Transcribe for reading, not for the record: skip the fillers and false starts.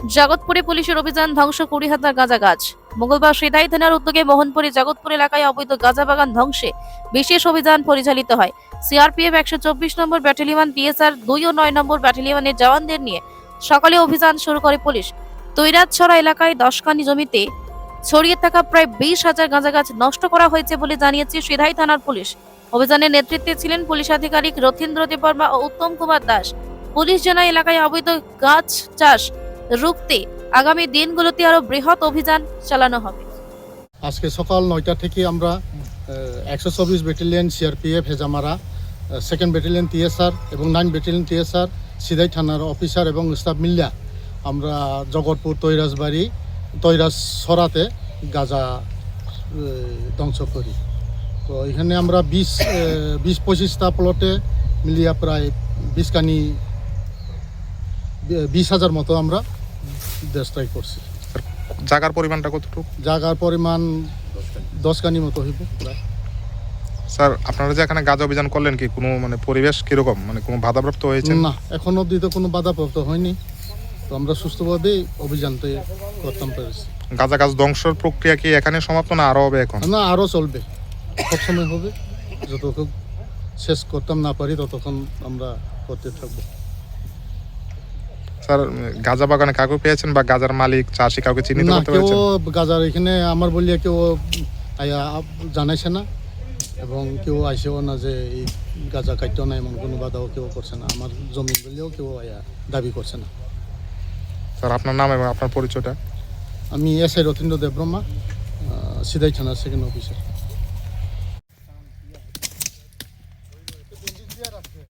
জগৎপুরে পুলিশের অভিযান, ধ্বংস 20,000 গাঁজা গাছ। মঙ্গলবার সিধাই থানার উদ্যোগে মোহনপুরে জগৎপুর এলাকায় অবৈধ গাঁজা বাগান ধ্বংসে বিশেষ অভিযান পরিচালিত হয়। সিআরপিএফ 124 নম্বর ব্যাটালিয়ন, টিএসআর 2 ও 9 নম্বর ব্যাটালিয়নের জওয়ানদের নিয়ে সকালে অভিযান শুরু করে পুলিশ। তৈরাতছড়া এলাকায় 10 কানি জমিতে ছড়িয়ে থাকা প্রায় 20,000 গাঁজা গাছ নষ্ট করা হয়েছে বলে জানিয়েছে সিধাই থানার পুলিশ। অভিযানের নেতৃত্বে ছিলেন পুলিশ আধিকারিক রথীন্দ্র দেববর্মা ও উত্তম কুমার দাস। পুলিশ জানায় এলাকায় অবৈধ গাছ চাষ রুখতে আগামী দিনগুলোতে আরো বৃহৎ অভিযান চালানো হবে। আজকে সকাল 9টা থেকে আমরা 124 battalion CRPF Hezamara, 2nd battalion TSR এবং 9 ব্যাটালিয়ন টিএসআর সিধাই থানার অফিসার এবং স্টাফ মিলিয়া আমরা জগৎপুর তৈরাছড়াতে গাঁজা ধ্বংস করি। তো এখানে আমরা 20-25টা প্লটে মিলিয়া প্রায় 20,000 মতো আমরা ডিস্ট্রয় করছি। জায়গার পরিমাণটা কতটুকু? জায়গার পরিমাণ 10 কানি মতো হইব প্রায়। স্যার, আপনারা যে এখানে গাঁজা অভিযান করলেন, কি কোনো পরিবেশ কিরকম, কোনো বাধাপ্রাপ্ত হয়েছে? না, এখন অবধি তো কোনো বাধাপ্রাপ্ত হয়নি। তো আমরা সুস্থভাবে অভিযানটা করতাম পেরেছি। গাঁজা গাছ ধ্বংসের প্রক্রিয়া কি এখানে সমাপ্ত, না আরো হবে? এখন না, আরও চলবে, সবসময় হবে। যতক্ষণ শেষ করতাম না পারি ততক্ষণ আমরা করতে থাকবো। স্যার, গাঁজা বাগানে কাউকে পেয়েছেন বা গাঁজার মালিক চাষি কাউকে চিহ্নিত না, করতে কেউ পেরেছেন? গাঁজার এখানে আমার বলিয়া কেউ জানাইছে না এবং কেউ আইসেও না যে এই গাঁজা কাটতেও না, এমন কোনো বাধাও কেউ করছে না। আমার জমি বললেও কেউ দাবি করছে না। স্যার, আপনার নাম এবং আপনার পরিচয়টা? আমি এসআই রথীন্দ্র দেববর্মা, সিধাই থানার 2nd অফিসার।